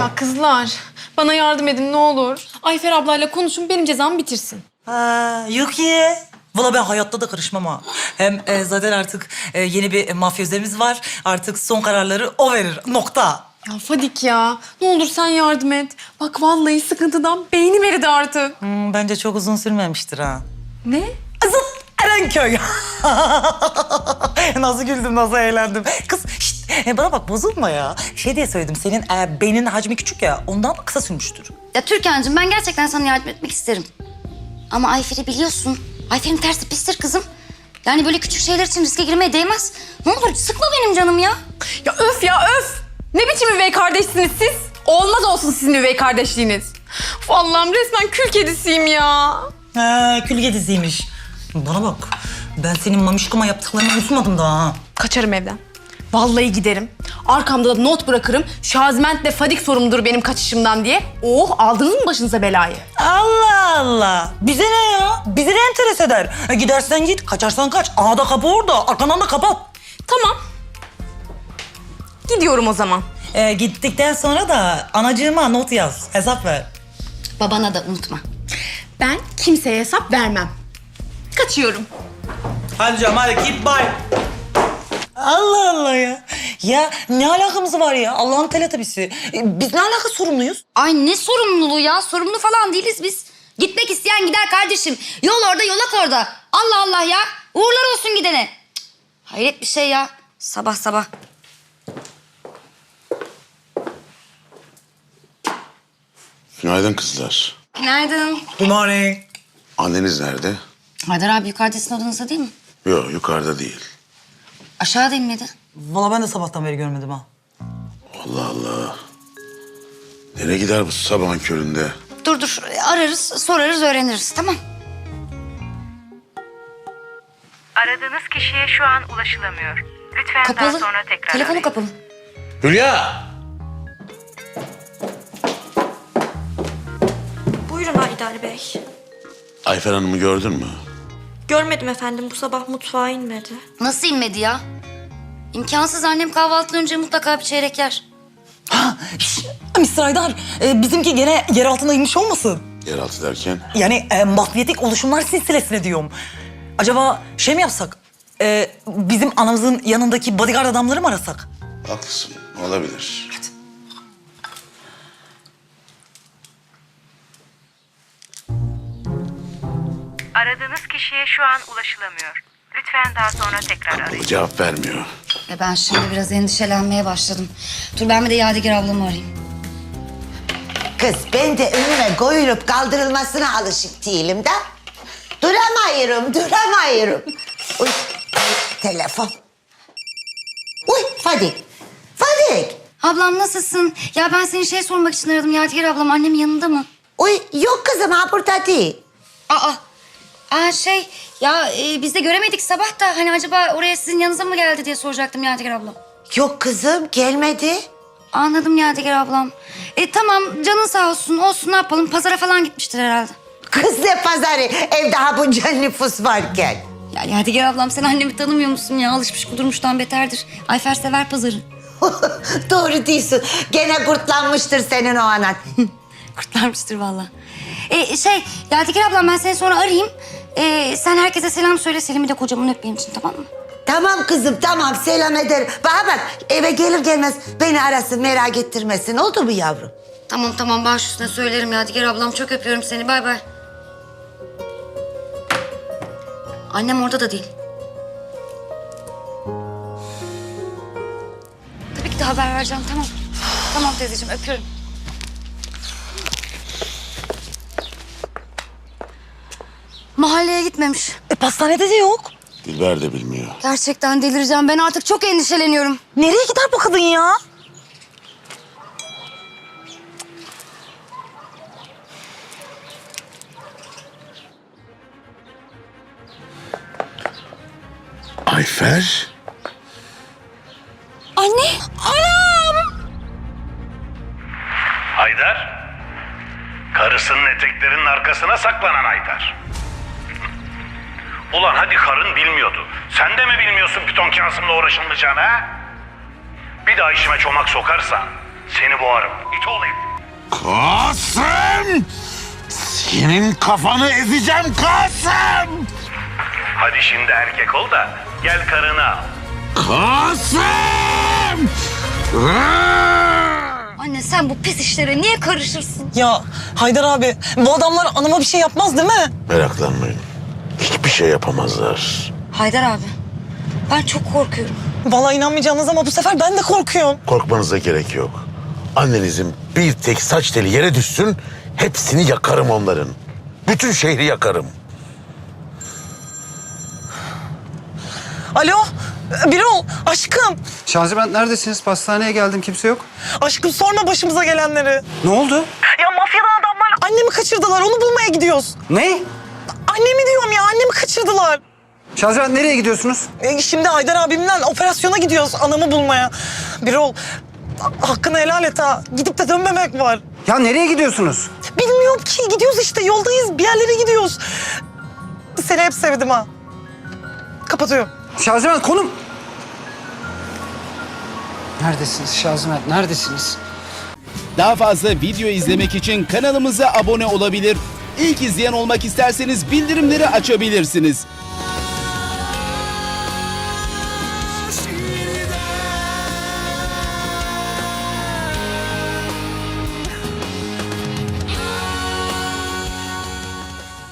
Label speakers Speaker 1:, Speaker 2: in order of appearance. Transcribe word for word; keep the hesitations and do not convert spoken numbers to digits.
Speaker 1: Ya kızlar, bana yardım edin ne olur. Ayfer ablayla konuşun, benim cezamı bitirsin.
Speaker 2: Ha, yok ya. Valla ben hayatta da karışmam ha. Hem e, zaten artık e, yeni bir mafyözemiz var. Artık son kararları o verir. Nokta.
Speaker 1: Ya Fadik ya, ne olur sen yardım et. Bak vallahi sıkıntıdan beynim eridi artık.
Speaker 2: Hmm, bence çok uzun sürmemiştir ha.
Speaker 1: Ne?
Speaker 2: Zıt Erenköy. Nasıl güldüm, nasıl eğlendim. Kız şişt, e, bana bak bozulma ya. Şey diye söyledim, senin e, beynin hacmi küçük ya. Ondan kısa sürmüştür.
Speaker 3: Ya Türkan'cığım ben gerçekten sana yardım etmek isterim. Ama Ayfer'i biliyorsun. Ayfer'in tersi pistir kızım. Yani böyle küçük şeyler için riske girmeye değmez. Ne olur sıkma benim canım ya.
Speaker 1: Ya öf ya öf! Ne biçim üvey kardeşsiniz siz? Olmaz olsun sizin üvey kardeşliğiniz. Uf, Allah'ım resmen kül kedisiyim ya.
Speaker 2: Ha, külge diziymiş. Bana bak, ben senin mamişkoma yaptıklarını unutmadım daha ha.
Speaker 1: Kaçarım evden. Vallahi giderim. Arkamda da not bırakırım. Şaziment'le Fadik sorumludur benim kaçışımdan diye. Oh, aldınız mı başınıza belayı?
Speaker 2: Allah Allah. Bize ne ya? Bizi ne enteres eder? E, gidersen git, kaçarsan kaç. Aa da kapı orada, arkandan da kapat.
Speaker 1: Tamam. Gidiyorum o zaman.
Speaker 2: E, gittikten sonra da anacığıma not yaz, hesap ver.
Speaker 3: Babana da unutma.
Speaker 1: Ben kimseye hesap vermem. Kaçıyorum.
Speaker 2: Hadi canım, hadi git bay. Allah Allah ya. Ya ne alakamız var ya? Allah'ın teletabisi. E, biz ne alaka sorumluyuz?
Speaker 3: Ay ne sorumluluğu ya? Sorumlu falan değiliz biz. Gitmek isteyen gider kardeşim. Yol orada, yolak orada. Allah Allah ya. Uğurlar olsun gidene. Cık, hayret bir şey ya. Sabah sabah.
Speaker 4: Günaydın kızlar.
Speaker 3: Günaydın.
Speaker 2: Good morning.
Speaker 4: Anneniz nerede?
Speaker 3: Haydar abi yukarıda sizin odanızda değil mi?
Speaker 4: Yok, yukarıda değil.
Speaker 3: Aşağıda inmedi.
Speaker 2: Vallahi ben de sabahtan beri görmedim ha.
Speaker 4: Allah Allah. Nereye gider bu sabahın köründe?
Speaker 3: Dur dur ararız, sorarız, öğreniriz tamam.
Speaker 5: Aradığınız kişiye şu an ulaşılamıyor. Lütfen daha
Speaker 3: Kapalı.
Speaker 5: sonra tekrar
Speaker 3: Telefonu
Speaker 5: arayın.
Speaker 3: kapalı.
Speaker 4: Hülya!
Speaker 6: Buyurun Haydar Bey.
Speaker 4: Ayfer Hanım'ı gördün mü?
Speaker 6: Görmedim efendim, bu sabah mutfağa inmedi.
Speaker 3: Nasıl inmedi ya? İmkansız, annem kahvaltıdan önce mutlaka bir çeyrek yer.
Speaker 2: Ha, şş, mister Haydar, e, bizimki gene yer altına inmiş olmasın?
Speaker 4: Yeraltı derken?
Speaker 2: Yani e, mafyatik oluşumlar silsilesine diyorum. Acaba şey mi yapsak? E, bizim anamızın yanındaki bodyguard adamları mı arasak?
Speaker 4: Haklısın, olabilir.
Speaker 5: Aradığınız kişiye şu an ulaşılamıyor. Lütfen daha sonra tekrar arayın.
Speaker 4: O cevap vermiyor.
Speaker 3: E ben şimdi biraz endişelenmeye başladım. Dur ben bir de Yadigar ablamı arayayım.
Speaker 7: Kız ben de önüme koyulup kaldırılmasına alışık değilim de. Duramıyorum, duramıyorum. Uy, telefon. Uy, Fadik. Fadik.
Speaker 3: Ablam nasılsın? Ya ben seni şey sormak için aradım. Yadigar ablam annemin yanında mı?
Speaker 7: Uy, yok kızım ha burada değil.
Speaker 3: Aa, aa şey ya e, biz de göremedik sabah da hani acaba oraya sizin yanınıza mı geldi diye soracaktım Yadigar ablam.
Speaker 7: Yok kızım gelmedi.
Speaker 3: Anladım Yadigar ablam. E tamam canın sağ olsun olsun ne yapalım pazara falan gitmiştir herhalde.
Speaker 7: Kız ne pazarı evde ha bunca nüfus varken.
Speaker 3: Ya Yadigar ablam sen annemi tanımıyor musun ya? Alışmış kudurmuştan beterdir. Ayfer sever pazarı.
Speaker 7: Doğru diyorsun. Gene kurtlanmıştır senin o anan.
Speaker 3: Kurtlarmıştır vallahi. E, şey Yadigar ablam ben seni sonra arayayım. E, sen herkese selam söyle Selim'i de kocamın öp benim için tamam mı?
Speaker 7: Tamam kızım tamam selam ederim. Bana bak eve gelir gelmez beni arasın merak ettirmesin oldu mu yavrum?
Speaker 3: Tamam tamam baş üstüne söylerim Yadigar ablam çok öpüyorum seni bay bay. Annem orada da değil. Tabii ki de haber vereceğim tamam. Tamam teyzeciğim öpüyorum. Mahalleye gitmemiş.
Speaker 2: E, pastanede de yok.
Speaker 4: Dilber de bilmiyor.
Speaker 3: Gerçekten delireceğim. Ben artık çok endişeleniyorum.
Speaker 2: Nereye gider bu kadın ya?
Speaker 4: Ayfer?
Speaker 3: Anne! Anam!
Speaker 8: Haydar, karısının eteklerinin arkasına saklanan Haydar. Ulan hadi karın bilmiyordu. Sen de mi bilmiyorsun piton Kasım'la uğraşılmayacağını ha? Bir daha işime çomak sokarsan Seni boğarım. İt olayım.
Speaker 4: Kasım! Senin kafanı ezeceğim Kasım!
Speaker 8: Hadi şimdi erkek ol da gel karını al.
Speaker 4: Kasım!
Speaker 3: Anne sen bu pis işlere niye karışırsın?
Speaker 2: Ya Haydar abi bu adamlar anama bir şey yapmaz değil mi?
Speaker 4: Meraklanmayın. Hiçbir şey yapamazlar.
Speaker 3: Haydar abi ben çok korkuyorum.
Speaker 2: Vallahi inanmayacağınız ama bu sefer ben de korkuyorum.
Speaker 4: Korkmanıza gerek yok. Annenizin bir tek saç teli yere düşsün, hepsini yakarım onların. Bütün şehri yakarım.
Speaker 2: Alo Birol aşkım.
Speaker 9: Şaziment neredesiniz? Pastaneye geldim, kimse yok.
Speaker 2: Aşkım sorma başımıza gelenleri.
Speaker 9: Ne oldu?
Speaker 2: Ya mafyadan adamlar annemi kaçırdılar onu bulmaya gidiyoruz.
Speaker 9: Ne?
Speaker 2: Annemi diyorum ya annemi kaçırdılar.
Speaker 9: Şaziment nereye gidiyorsunuz?
Speaker 2: E, şimdi Haydar abimle operasyona gidiyoruz anamı bulmaya. Birol hakkını helal et ha. Gidip de dönmemek var.
Speaker 9: Ya nereye gidiyorsunuz?
Speaker 2: Bilmiyorum ki gidiyoruz işte yoldayız bir yerlere gidiyoruz. Seni hep sevdim ha. Kapatıyorum.
Speaker 9: Şaziment konum. Neredesiniz Şaziment, neredesiniz?
Speaker 10: Daha fazla video izlemek için kanalımıza abone olabilir. İlk izleyen olmak isterseniz bildirimleri açabilirsiniz.